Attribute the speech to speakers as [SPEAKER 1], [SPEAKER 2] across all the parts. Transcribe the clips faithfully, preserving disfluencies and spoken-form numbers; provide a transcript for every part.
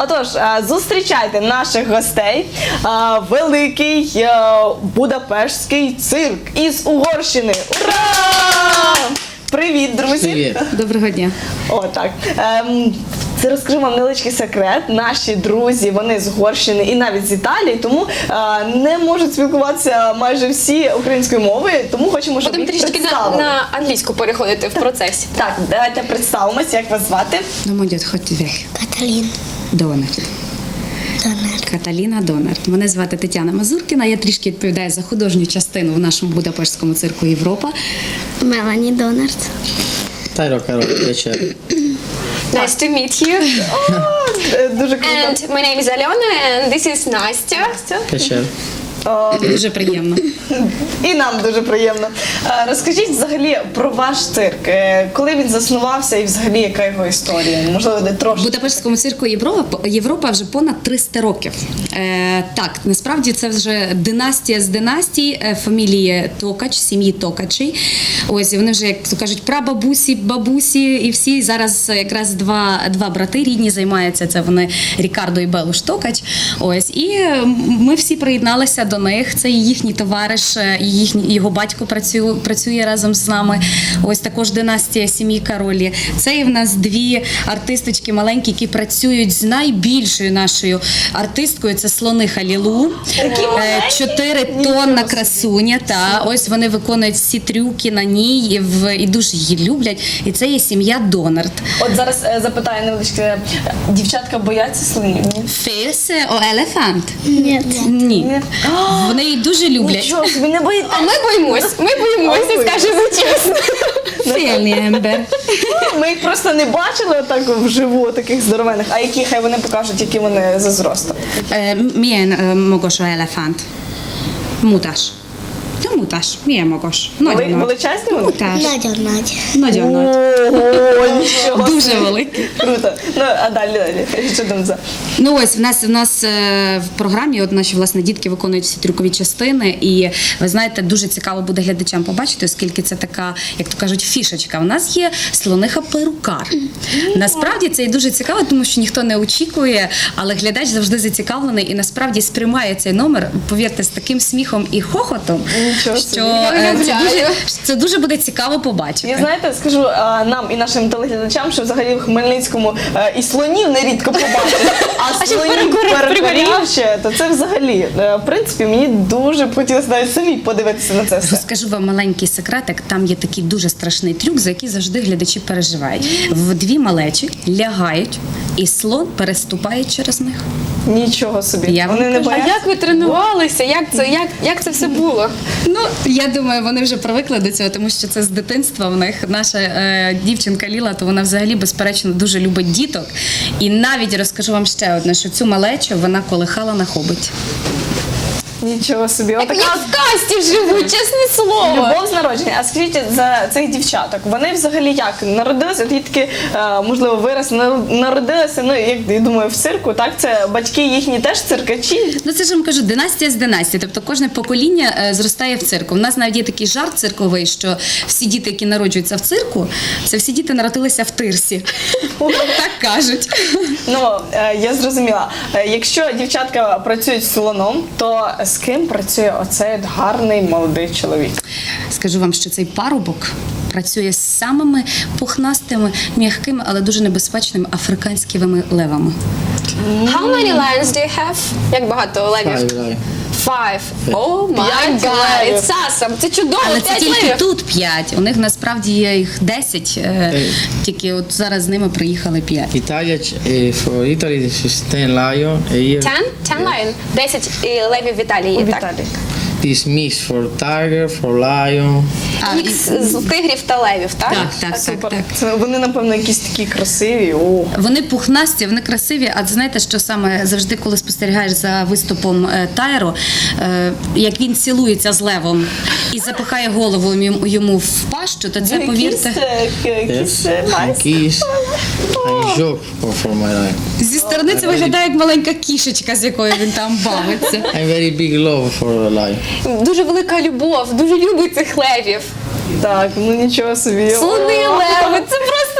[SPEAKER 1] Отож, е, зустрічайте наших гостей. Е, Великий е, Будапештський цирк із Угорщини. Ура! Привіт, друзі!
[SPEAKER 2] Привіт.
[SPEAKER 3] Доброго дня.
[SPEAKER 1] О, так. Ем, це розкажу вам невеличкий секрет. Наші друзі, вони з Угорщини і навіть з Італії, тому е, не можуть спілкуватися майже всі українською мовою, тому хочемо, щоб
[SPEAKER 4] Будемо
[SPEAKER 1] їх
[SPEAKER 4] трішки на,
[SPEAKER 1] представили.
[SPEAKER 4] на англійську переходити в процесі.
[SPEAKER 1] Так, давайте представимося, як вас звати.
[SPEAKER 3] Ну, молодь, ходьте weg.
[SPEAKER 5] Каталін.
[SPEAKER 3] Донор.
[SPEAKER 5] Донор.
[SPEAKER 3] Каталіна Донор. Мене звати Тетяна Мазуркіна. Я трішки відповідаю за художню частину в нашому Будапештському цирку Європа.
[SPEAKER 5] Мелані Донард.
[SPEAKER 2] Tyro Karol, вечер.
[SPEAKER 4] Nice to meet you.
[SPEAKER 1] Е, Дуже круто.
[SPEAKER 4] And my name is Alena and this is Настя.
[SPEAKER 2] Вечер.
[SPEAKER 1] О,
[SPEAKER 3] Дуже приємно.
[SPEAKER 1] І нам дуже приємно. Е, Розкажіть взагалі про ваш цирк. Е, Коли він заснувався і взагалі яка його історія? Можливо, де
[SPEAKER 3] В
[SPEAKER 1] трошки.
[SPEAKER 3] Будапештському цирку Європа, Європа вже понад триста років. Е, так, насправді це вже династія з династій е, фамілії Токач, сім'ї Токачей. Ось і вони вже, як то кажуть, прабабусі, бабусі і всі. Зараз якраз два, два брати рідні займаються. Це вони Рікардо і Белуш Токач. Ось і е, ми всі приєдналися до них. Це і їхній товариш, е, і їхній його батько працює, працює разом з нами. Ось також династія сім'ї Каролі. Це і в нас дві артисточки маленькі, які працюють з найбільшою нашою артисткою. Це слониха Лілу. Е, Чотири тонна красуня. Та ось вони виконують всі трюки на ній і, в, і дуже її люблять. І це є сім'я Донард.
[SPEAKER 1] От зараз е, запитаю невеличке. Дівчатка бояться слонів? Ні?
[SPEAKER 3] Фейсе о елефант.
[SPEAKER 5] Ні.
[SPEAKER 3] Ні. Вони її дуже люблять.
[SPEAKER 1] Нічого собі, не боїться.
[SPEAKER 4] А ми боїмось, ми боїмося,
[SPEAKER 1] А ви?
[SPEAKER 4] скажемо чесно.
[SPEAKER 3] Фельні ембер.
[SPEAKER 1] Ми їх просто не бачили отак вживу, таких здоровених. А які, хай вони покажуть, які вони за зростом.
[SPEAKER 3] Е, Milyen ö, magas a elefánt? Mutas. No mutas. Milyen magas?
[SPEAKER 1] Вели-
[SPEAKER 3] Nagyon nagy.
[SPEAKER 1] Величезні вони?
[SPEAKER 3] Mutas.
[SPEAKER 5] Надя Надя.
[SPEAKER 3] Nagyon nagy.
[SPEAKER 1] Ого, нічого
[SPEAKER 3] Дуже
[SPEAKER 1] собі.
[SPEAKER 3] великий.
[SPEAKER 1] Круто. Ну, а далі, далі. Що там за?
[SPEAKER 3] Ну ось в нас в нас е, в програмі от наші власне дітки виконують всі трюкові частини, і ви знаєте, дуже цікаво буде глядачам побачити, оскільки це така, як то кажуть, фішечка. У нас є слониха перукар. Насправді це і дуже цікаво, тому що ніхто не очікує, але глядач завжди зацікавлений і насправді сприймає цей номер, повірте, з таким сміхом і хохотом,
[SPEAKER 1] Нічого собі.
[SPEAKER 3] що е, це
[SPEAKER 4] уявляю.
[SPEAKER 3] дуже, це дуже буде цікаво побачити.
[SPEAKER 1] І знаєте, скажу а, нам і нашим телеглядачам, що взагалі в Хмельницькому е, і слонів нерідко побачити, а
[SPEAKER 4] ще
[SPEAKER 1] слонів
[SPEAKER 4] перекурив,
[SPEAKER 1] перекурів ще, то це взагалі, е, в принципі, мені дуже б хотілося навіть самі подивитися на це все.
[SPEAKER 3] Розкажу вам маленький секретик. Там є такий дуже страшний трюк, за який завжди глядачі переживають. В дві малечі лягають, і слон переступає через них.
[SPEAKER 1] Нічого собі.
[SPEAKER 3] Я вам
[SPEAKER 1] Вони не
[SPEAKER 3] кажу.
[SPEAKER 4] А
[SPEAKER 1] бояться?
[SPEAKER 4] як ви тренувалися? Як це, як, як це все було?
[SPEAKER 3] Ну, я думаю, вони вже привикли до цього, тому що це з дитинства в них. Наша е, дівчинка Ліла, то вона взагалі, безперечно, дуже любить діток. І навіть розкажу вам ще одне, що цю малечу вона колихала на хоботі.
[SPEAKER 1] Нічого собі.
[SPEAKER 4] Як
[SPEAKER 1] Отака
[SPEAKER 4] в касті живуть, чесне слово.
[SPEAKER 1] любов з народження. А скажіть за цих дівчаток, вони взагалі як народилися? От є такі, е, можливо, вираз народилися, ну як я думаю, в цирку. Так, це батьки їхні теж циркачі.
[SPEAKER 3] Ну це ж я вам кажу, династія з династії. Тобто кожне покоління е, зростає в цирку. У нас навіть є такий жарт цирковий, що всі діти, які народжуються в цирку, це всі діти народилися в тирсі. Так кажуть.
[SPEAKER 1] Ну е, я зрозуміла. Е, Якщо дівчатка працюють з слоном, то з ким працює оцей от гарний молодий чоловік?
[SPEAKER 3] Скажу вам, що цей парубок працює з самими пухнастими, м'якими, але дуже небезпечними африканськими левами.
[SPEAKER 4] How many lions do you have? Як багато левів?
[SPEAKER 2] Five live.
[SPEAKER 4] Five. Oh my
[SPEAKER 1] П'ять
[SPEAKER 4] god,
[SPEAKER 1] левів.
[SPEAKER 4] it's awesome. Це чудово,
[SPEAKER 3] Але це
[SPEAKER 4] п'ять
[SPEAKER 3] тільки
[SPEAKER 4] левів.
[SPEAKER 3] тут п'ять. У них насправді є їх десять, е,
[SPEAKER 2] Ей.
[SPEAKER 3] тільки от зараз з ними приїхали п'ять.
[SPEAKER 2] Italia, eh, for Italy, this is ten lion. A year.
[SPEAKER 4] Ten? Ten lion. Десять е, левів в Італії,
[SPEAKER 1] У
[SPEAKER 4] так?
[SPEAKER 1] Віталії.
[SPEAKER 2] This mix for tiger, for lion.
[SPEAKER 3] А,
[SPEAKER 4] Мікс з тигрів та левів, так?
[SPEAKER 3] Так, так, так,
[SPEAKER 1] Супер.
[SPEAKER 3] так.
[SPEAKER 1] Це вони, напевно, якісь такі красиві. О.
[SPEAKER 3] Вони пухнасті, вони красиві. А знаєте, що саме завжди, коли спостерігаєш за виступом е, Тайро, е, як він цілується з левом і запихає голову йому, йому в пащу, то це, повірте,
[SPEAKER 1] Якісь, е, якісь, е,
[SPEAKER 2] Yes. And
[SPEAKER 1] майс-
[SPEAKER 2] kiss. And joke for, for my life.
[SPEAKER 3] зі сторони це виглядає як маленька кішечка, з якою він там бавиться.
[SPEAKER 2] I'm very big love for life.
[SPEAKER 4] Дуже велика любов, дуже любить цих левів.
[SPEAKER 1] Так, ну нічого собі.
[SPEAKER 4] Слони,
[SPEAKER 1] О.
[SPEAKER 4] леви, це просто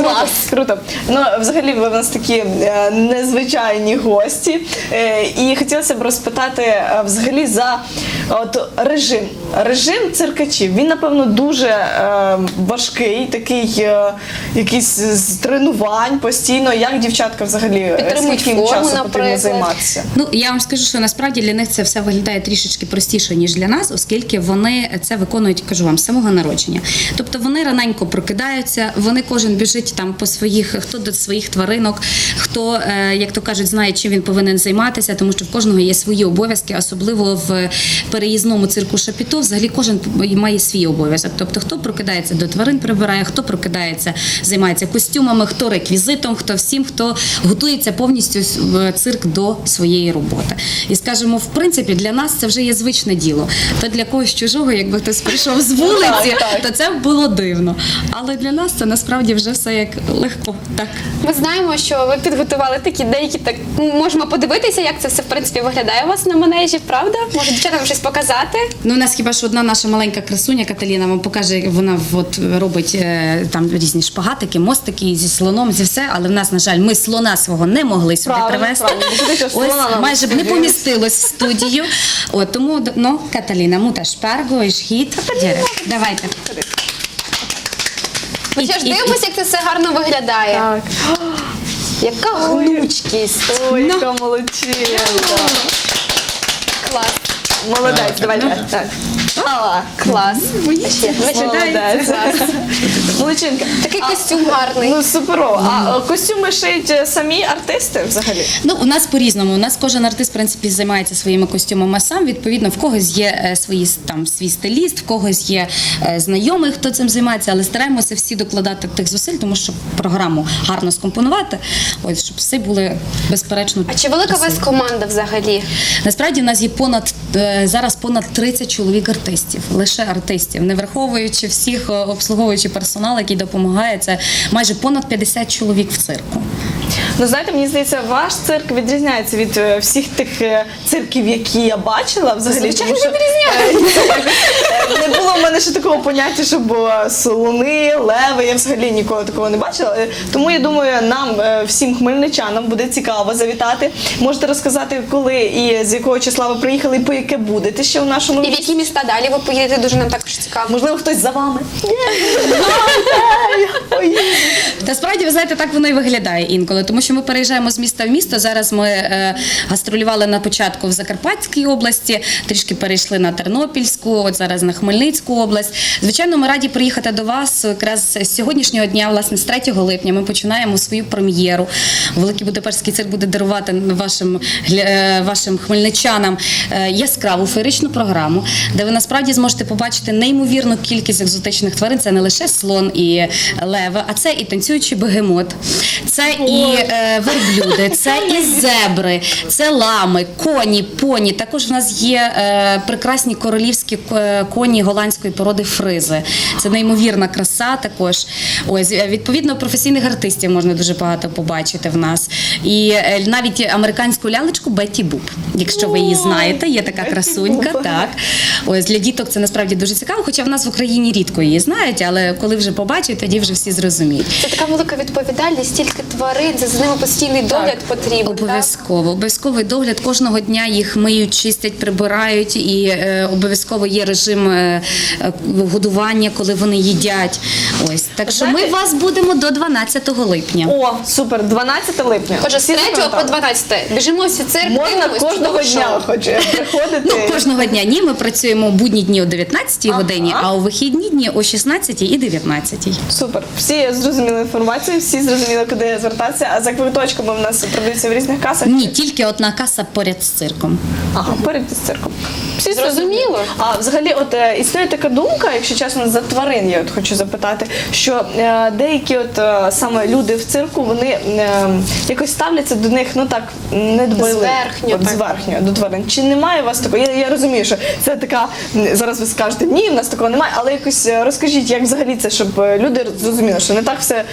[SPEAKER 1] Круто,
[SPEAKER 4] Клас.
[SPEAKER 1] круто. Ну, взагалі, ви в нас такі е, незвичайні гості. Е, і хотілося б розпитати е, взагалі за от, режим. Режим циркачів. Він, напевно, дуже е, важкий, такий е, якийсь з тренувань постійно. Як дівчатка взагалі, е,
[SPEAKER 4] Підтримують
[SPEAKER 1] скільки їм
[SPEAKER 4] форму,
[SPEAKER 1] часу потрібно
[SPEAKER 4] наприклад.
[SPEAKER 1] займатися?
[SPEAKER 3] Ну, я вам скажу, що насправді для них це все виглядає трішечки простіше, ніж для нас, оскільки вони це виконують, кажу вам, з самого народження. Тобто вони раненько прокидаються, вони кожен біжить там по своїх, хто до своїх тваринок, хто, е, як то кажуть, знає, чим він повинен займатися, тому що в кожного є свої обов'язки, особливо в переїзному цирку Шапіто, взагалі кожен має свій обов'язок. Тобто хто прокидається до тварин прибирає, хто прокидається, займається костюмами, хто реквізитом, хто всім, хто готується повністю в цирк до своєї роботи. І скажімо, в принципі, для нас це вже є звичне діло. То для когось чужого, якби хтось прийшов з вулиці,
[SPEAKER 1] так, так.
[SPEAKER 3] то це було дивно. Але для нас це насправді вже все як легко. Так.
[SPEAKER 4] Ми знаємо, що ви підготували такі деякі, так можемо подивитися, як це все в принципі виглядає у вас на манежі, правда? Може, дівчатам щось показати?
[SPEAKER 3] Ну, у нас хіба що одна наша маленька красуня Каталіна вам покаже, як вона от робить е, там різні шпагатики, мостики зі слоном, зі все. Але в нас, на жаль, ми слона свого не могли сюди
[SPEAKER 1] Правильно,
[SPEAKER 3] привезти.
[SPEAKER 1] правильно. Бо туди ж слона
[SPEAKER 3] Ось
[SPEAKER 1] нам
[SPEAKER 3] майже б не
[SPEAKER 1] студію.
[SPEAKER 3] помістилось в студію. От тому, ну, Каталіна, мута шперго, і шхіт. Давайте.
[SPEAKER 4] Ми
[SPEAKER 3] І-
[SPEAKER 4] ще ж
[SPEAKER 3] і-
[SPEAKER 4] дивимося, як це все гарно виглядає.
[SPEAKER 1] Так.
[SPEAKER 4] Яка гнучкість.
[SPEAKER 1] Ой, яка молодчинка.
[SPEAKER 4] Клас.
[SPEAKER 1] Молодець, давай, давай. Так. Ала.
[SPEAKER 4] Клас. Ще.
[SPEAKER 1] Молодець.
[SPEAKER 4] Клас.
[SPEAKER 1] Молодчинка.
[SPEAKER 4] Такий костюм гарний.
[SPEAKER 1] Ну, суперово. А е, костюми шиють е, самі артисти взагалі?
[SPEAKER 3] Ну, у нас по-різному. У нас кожен артист, в принципі, займається своїми костюмами сам. Відповідно, в когось є е, свої там свій стиліст, в когось є е, знайомий, хто цим займається, але стараємося всі докладати тих зусиль, тому що програму гарно скомпонувати, ось щоб всі були безперечно.
[SPEAKER 4] А чи велика у вас
[SPEAKER 3] красиві.
[SPEAKER 4] команда взагалі?
[SPEAKER 3] Насправді у нас є понад е, зараз понад тридцять чоловік артистів, лише артистів, не враховуючи всіх е, обслуговуючий персонал, який допомагає. Це майже понад п'ятдесят чоловік в цирку.
[SPEAKER 1] Ну, знаєте, мені здається, ваш цирк відрізняється від е, всіх тих е, цирків, які я бачила взагалі.
[SPEAKER 4] Звичайно,
[SPEAKER 1] тому що, е, е, Не було в мене ще такого поняття, щоб е, слони, леви, я взагалі ніколи такого не бачила. Е, Тому я думаю, нам, е, всім хмельничанам, буде цікаво завітати. Можете розказати, коли і з якого числа ви приїхали, і по яке будете ще у нашому
[SPEAKER 4] І в
[SPEAKER 1] місті?
[SPEAKER 4] які міста далі ви поїдете? Дуже нам також цікаво.
[SPEAKER 1] Можливо, хтось за вами.
[SPEAKER 3] Та справді, ви знаєте, так воно і виглядає інколи, тому що ми переїжджаємо з міста в місто. Зараз ми е, гастролювали на початку в Закарпатській області, трішки перейшли на Тернопільську, от зараз на Хмельницьку область. Звичайно, ми раді приїхати до вас якраз з сьогоднішнього дня, власне, з третього липня. Ми починаємо свою прем'єру. Великий Будапештський цирк буде дарувати вашим, гля- е, вашим хмельничанам е, яскраву феєричну програму, де ви насправді зможете побачити неймовірну кількість екзотичних тварин. Це не лише слон і леви, а це і танцюючий бегемот, це і е, верблюди, це і зебри, це лами, коні, поні. Також в нас є е, прекрасні королівські е, коні голландської породи фризи. Це неймовірна краса також. Ось, е, відповідно, професійних артистів можна дуже багато побачити в нас. І е, навіть американську лялечку Бетті Буб, якщо ви її знаєте, є така
[SPEAKER 1] Бетті
[SPEAKER 3] красунька.
[SPEAKER 1] Буб.
[SPEAKER 3] Так. Ось, для діток це насправді дуже цікаво, хоча в нас в Україні рідко її знають, але коли вже побачать, тоді вже всі зрозуміють.
[SPEAKER 4] Це така велика відповідальність, стільки тварин, це за ними постійний догляд потрібен. так?
[SPEAKER 3] Обов'язково. Обов'язковий догляд. Кожного дня їх миють, чистять, прибирають, і е, обов'язково є режим е, е, годування, коли вони їдять. Ось. Так що ми
[SPEAKER 1] Знаєте-
[SPEAKER 3] вас будемо до дванадцятого липня.
[SPEAKER 1] О, супер, дванадцяте липня.
[SPEAKER 4] Отже, з
[SPEAKER 1] Всі
[SPEAKER 4] третього по
[SPEAKER 1] запам'ятали?
[SPEAKER 4] дванадцяте біжимо всі цирк,
[SPEAKER 1] Можна
[SPEAKER 4] дивимось,
[SPEAKER 1] кожного
[SPEAKER 4] чудове
[SPEAKER 1] дня
[SPEAKER 4] шоу.
[SPEAKER 1] хоч приходити.
[SPEAKER 3] Ну, кожного дня ні, ми працюємо у будні дні о дев'ятнадцятій
[SPEAKER 1] Ага.
[SPEAKER 3] годині, а у вихідні дні о шістнадцятій і дев'ятнадцятій.
[SPEAKER 1] Супер. Всі зрозуміли інформацію, всі зрозуміли, куди звертатися. А за квиточками в нас продаються в різних касах.
[SPEAKER 3] Ні, тільки одна каса поряд з цирком.
[SPEAKER 1] Ага, перед з цирком. Всі
[SPEAKER 4] Зрозуміло.
[SPEAKER 1] А взагалі, от е, існує така думка, якщо чесно, за тварин я от хочу запитати, що е, деякі от е, саме люди в цирку, вони е, якось ставляться до них, ну так, недбайливо.
[SPEAKER 4] Зверхньо,
[SPEAKER 1] От,
[SPEAKER 4] так.
[SPEAKER 1] зверхньо до тварин. Чи немає у вас такого? Я, я розумію, що це така, м, зараз ви скажете, ні, в нас такого немає, але якось е, розкажіть, як взагалі це, щоб е, люди зрозуміли, що не так все е,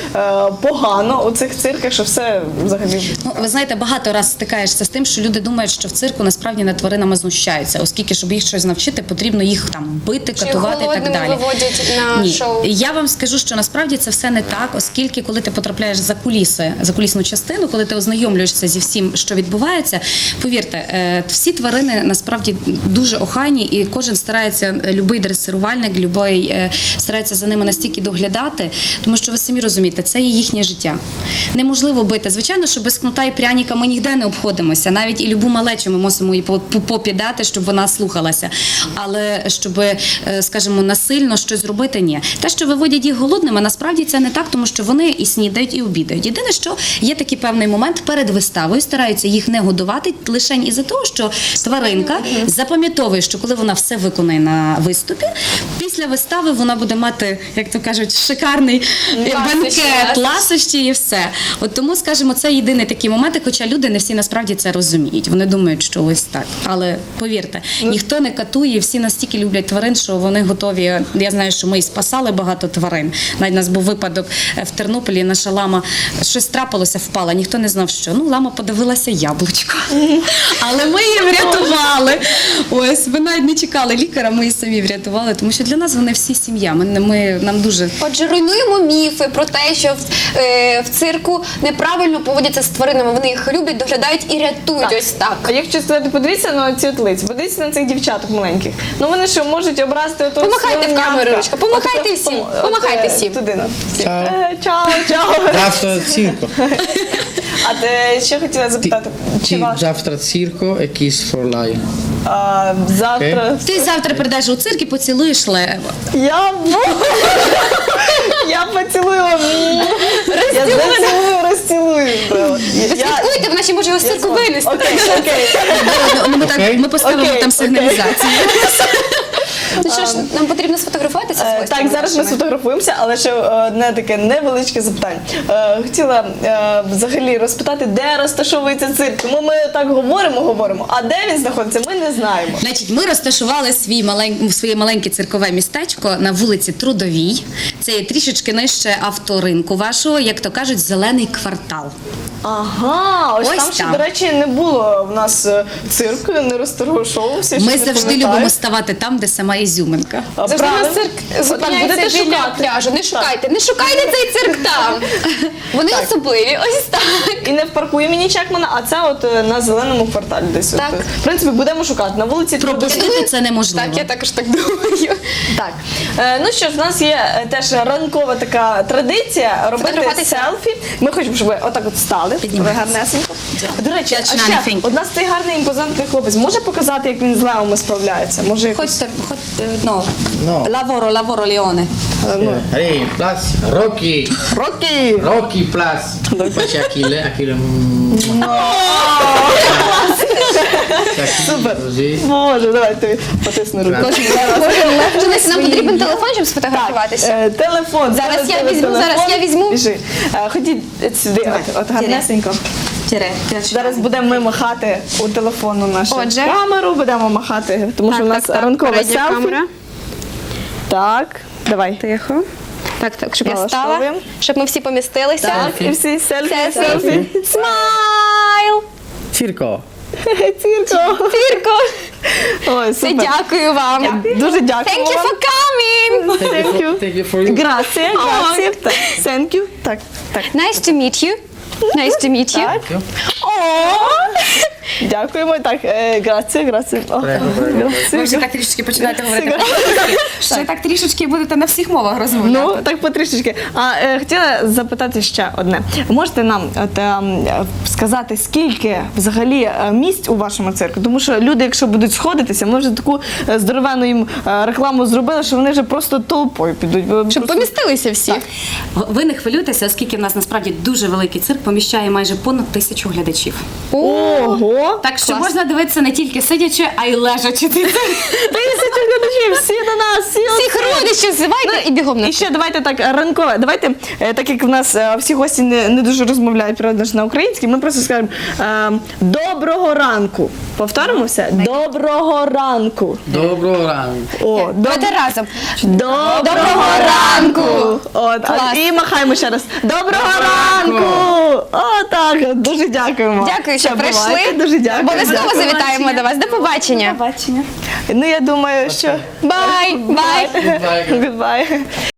[SPEAKER 1] погано у цих цирках, що все взагалі.
[SPEAKER 3] Ну, ви знаєте, багато раз стикаєшся з тим, що люди думають, що в цирку насправді над тваринами знущаються, оскільки, щоб їх щось навчити, потрібно їх там бити,
[SPEAKER 4] Чи
[SPEAKER 3] катувати і так
[SPEAKER 4] голодними
[SPEAKER 3] далі.
[SPEAKER 4] виводять на
[SPEAKER 3] Ні,
[SPEAKER 4] шоу?
[SPEAKER 3] я вам скажу, що насправді це все не так, оскільки коли ти потрапляєш за куліси, за кулісну частину, коли ти ознайомлюєшся зі всім, що відбувається, повірте, е, всі тварини насправді дуже охайні, і кожен старається, любий дресирувальник, любий е, старається за ними настільки доглядати, тому що ви самі розумієте, це є їхнє життя. Неможливо бити. Звичайно, що без кнута і пряніка ми ніде не обходимося. Навіть і любу малечу ми мусимо їй по- по- попі дати, щоб вона слухалася. Але щоб, е, скажімо, насильно щось зробити, ні. Те, що виводять їх голодними, насправді це не так, тому що вони і снідають, і обідають. Єдине, що є такий певний момент перед виставою, стараються їх не годувати лише із-за того, що тваринка запам'ятовує, що коли вона все виконає на виступі, після вистави вона буде мати, як то кажуть, шикарний
[SPEAKER 4] Ласощі,
[SPEAKER 3] бенкет,
[SPEAKER 4] ласощі.
[SPEAKER 3] ласощі і все. От тому, скажімо, це єдиний такий момент, хоча люди не всі насправді це розуміють. Вони думають, що ось так. Але повірте, ніхто не катує, всі настільки люблять тварин, що вони готові. Я знаю, що ми і спасали багато тварин. Навіть у нас був випадок е, в Тернополі, наша лама щось трапилося, впала, ніхто не знав, що. Ну, лама подивилася яблучко. Але ми її врятували. Ось, ми навіть не чекали лікаря, ми її самі врятували, тому що для нас вони всі сім'я. Ми, ми, нам дуже
[SPEAKER 4] Отже, руйнуємо міфи про те, що в, е, в цирку неправильно поводяться з тваринами. Вони їх люблять, доглядають і рятують. Ось
[SPEAKER 1] А
[SPEAKER 4] так.
[SPEAKER 1] якщо сказати, подивіться на ці от лиці, подивіться на цих дівчаток маленьких. Ну вони що, можуть образити ото
[SPEAKER 4] Помахайте в
[SPEAKER 1] свинятка?
[SPEAKER 4] камеру, Ручка, помахайте
[SPEAKER 1] От,
[SPEAKER 4] всім,
[SPEAKER 1] от,
[SPEAKER 4] помахайте
[SPEAKER 1] е,
[SPEAKER 4] всім.
[SPEAKER 1] Туди, на.
[SPEAKER 2] Чао.
[SPEAKER 1] Е, Чао, чао.
[SPEAKER 2] Завтра цирко.
[SPEAKER 1] А ти ще хотіла
[SPEAKER 2] Ti,
[SPEAKER 1] запитати, чи
[SPEAKER 2] ti,
[SPEAKER 1] ваш
[SPEAKER 2] завтра цирко e Kiss for Lion.
[SPEAKER 1] а, завтра...
[SPEAKER 3] Ти завтра прийдеш у цирк і поцілуєш лева.
[SPEAKER 1] Я Я поцілую. Я зацілую, розцілую.
[SPEAKER 4] Ви слідкуйте, вона ще може його з цирку винести.
[SPEAKER 1] Окей, окей.
[SPEAKER 3] Ну, ми, так,
[SPEAKER 2] Окей.
[SPEAKER 3] ми поставимо
[SPEAKER 1] Окей,
[SPEAKER 3] там
[SPEAKER 1] окей.
[SPEAKER 3] сигналізацію.
[SPEAKER 4] Ну що ж, нам потрібно сфотографуватися з
[SPEAKER 1] Е,
[SPEAKER 4] гостями
[SPEAKER 1] Так, зараз ми
[SPEAKER 4] нашими.
[SPEAKER 1] сфотографуємося, але ще одне таке невеличке запитання. Е, Хотіла е, взагалі розпитати, де розташовується цирк. Тому ми так говоримо, говоримо, а де він знаходиться, ми не знаємо.
[SPEAKER 3] Значить, ми розташували свій малень... своє маленьке циркове містечко на вулиці Трудовій. Це є трішечки нижче авторинку вашого, як то кажуть, зелений квартал.
[SPEAKER 1] Ага, ось,
[SPEAKER 3] Ось
[SPEAKER 1] там ще,
[SPEAKER 3] там.
[SPEAKER 1] до речі, не було в нас е, цирку, не розташовувався.
[SPEAKER 3] Ми
[SPEAKER 1] щось не
[SPEAKER 3] завжди
[SPEAKER 1] пам'ятаю.
[SPEAKER 3] любимо ставати там, де сама ізюминка.
[SPEAKER 1] А,
[SPEAKER 4] Завжди у
[SPEAKER 1] правильно.
[SPEAKER 4] нас цирк
[SPEAKER 1] Отак,
[SPEAKER 4] зупиняється
[SPEAKER 1] будете
[SPEAKER 4] біля
[SPEAKER 1] шукати.
[SPEAKER 4] пляжу. Не шукайте, не шукайте цей цирк там. Вони особливі, ось так.
[SPEAKER 1] І не в парку імені Чекмана, а це от е, на зеленому кварталі десь. От,
[SPEAKER 4] Так.
[SPEAKER 1] е. В принципі, будемо шукати на вулиці Трудовій.
[SPEAKER 3] Пропустити це неможливо.
[SPEAKER 4] Так, я також так думаю.
[SPEAKER 1] Так, е, ну що ж, в нас є е, теж ранкова така традиція робити
[SPEAKER 4] Фотографуватися.
[SPEAKER 1] селфі. Ми хочемо, щоб ви отак от стали, ви
[SPEAKER 3] Піднімайтеся.
[SPEAKER 1] гарнесенько. До речі, а
[SPEAKER 3] That's
[SPEAKER 1] ще
[SPEAKER 3] nothing.
[SPEAKER 1] от у нас цей гарний імпозантний хлопець може показати, як він з левами справляється? Може, якось,
[SPEAKER 3] Хочете, хоч, ну,
[SPEAKER 2] No.
[SPEAKER 3] лаворо, лаворо, Ліоне.
[SPEAKER 1] е, ну,
[SPEAKER 2] Hey, plus Rocky.
[SPEAKER 1] Рокі!
[SPEAKER 2] Rocky plus. Poi c'è Achille, Achille. mm, c'è Achille
[SPEAKER 1] Супер.
[SPEAKER 2] così.
[SPEAKER 1] Може, давай тобі потисну руку.
[SPEAKER 4] Денис, нам потрібен телефон, щоб сфотографуватися.
[SPEAKER 1] Е, телефон.
[SPEAKER 4] Зараз
[SPEAKER 1] теле-
[SPEAKER 4] я
[SPEAKER 1] теле-
[SPEAKER 4] візьму,
[SPEAKER 1] телефон.
[SPEAKER 4] зараз я візьму.
[SPEAKER 1] Біжи. Е, Ходіть сюди, от, от гарнесенько. Зараз будемо ми махати у телефонну нашу
[SPEAKER 4] Отже.
[SPEAKER 1] камеру, будемо махати, тому що у нас ранкове
[SPEAKER 4] передня
[SPEAKER 1] селфі.
[SPEAKER 4] камера.
[SPEAKER 1] Так, давай.
[SPEAKER 4] Тихо. Так, так, щоб я стала,
[SPEAKER 1] Налаштовуємо.
[SPEAKER 4] щоб ми всі помістилися.
[SPEAKER 1] Так, і всі селфі,
[SPEAKER 4] Це
[SPEAKER 1] селфі.
[SPEAKER 4] селфі. Смайл!
[SPEAKER 2] Circo.
[SPEAKER 1] Цірко.
[SPEAKER 4] Тірко!
[SPEAKER 1] Ой,
[SPEAKER 4] Все,
[SPEAKER 1] супер.
[SPEAKER 4] дякую вам.
[SPEAKER 1] Дуже дякую
[SPEAKER 4] Thank you
[SPEAKER 1] вам.
[SPEAKER 4] for coming!
[SPEAKER 1] Thank you.
[SPEAKER 2] Thank you for you.
[SPEAKER 1] Grazie, grazie. Так, thank you. Так, так.
[SPEAKER 4] Nice to meet you. Nice to meet you.
[SPEAKER 1] Так. Дякуємо. Так, е, grazie, grazie. О,
[SPEAKER 2] Прego, prego.
[SPEAKER 1] grazie.
[SPEAKER 3] Ви вже так трішечки починаєте говорити
[SPEAKER 1] Сигарет.
[SPEAKER 3] по-англійськи, що так трішечки будете на всіх мовах розмовляти.
[SPEAKER 1] Ну, так потрішечки. А е, хотіла запитати ще одне. Можете нам от, ем, е, сказати, скільки взагалі е, місць у вашому цирку? Тому що люди, якщо будуть сходитися, ми вже таку е, здоровенну їм е, рекламу зробили, що вони вже просто толпою підуть. Ви
[SPEAKER 4] Щоб
[SPEAKER 1] просто-
[SPEAKER 4] помістилися всі.
[SPEAKER 3] Ви не хвилюйтеся, оскільки в нас насправді дуже великий цирк поміщає майже понад тисячу глядачів.
[SPEAKER 1] Ого! О,
[SPEAKER 3] Так що
[SPEAKER 1] клас.
[SPEAKER 3] можна дивитися не тільки сидячи, а й лежачи.
[SPEAKER 1] Тисячу глядачів, всі на нас, всі
[SPEAKER 4] Всіх родичів зивайте і бігом на
[SPEAKER 1] І ще давайте так ранкове. Давайте, е, так як в нас е, всі гості не, не дуже розмовляють правда ж на українській, ми просто скажемо е, доброго ранку. Повторимо все? Доброго ранку.
[SPEAKER 2] Доброго ранку.
[SPEAKER 1] О, доб...
[SPEAKER 4] Давайте разом.
[SPEAKER 1] Доброго,
[SPEAKER 4] Доброго ранку!
[SPEAKER 1] От, а,
[SPEAKER 4] Клас.
[SPEAKER 1] і махаємо ще раз. Доброго ранку! О, так, дуже дякуємо.
[SPEAKER 4] Дякую, що
[SPEAKER 1] Все,
[SPEAKER 4] прийшли.
[SPEAKER 1] бувайте, дуже дякую.
[SPEAKER 4] Обов'язково завітаємо до вас. До побачення.
[SPEAKER 1] Ну, я думаю, що...
[SPEAKER 4] Бай! Бай!
[SPEAKER 2] Goodbye.
[SPEAKER 1] Goodbye.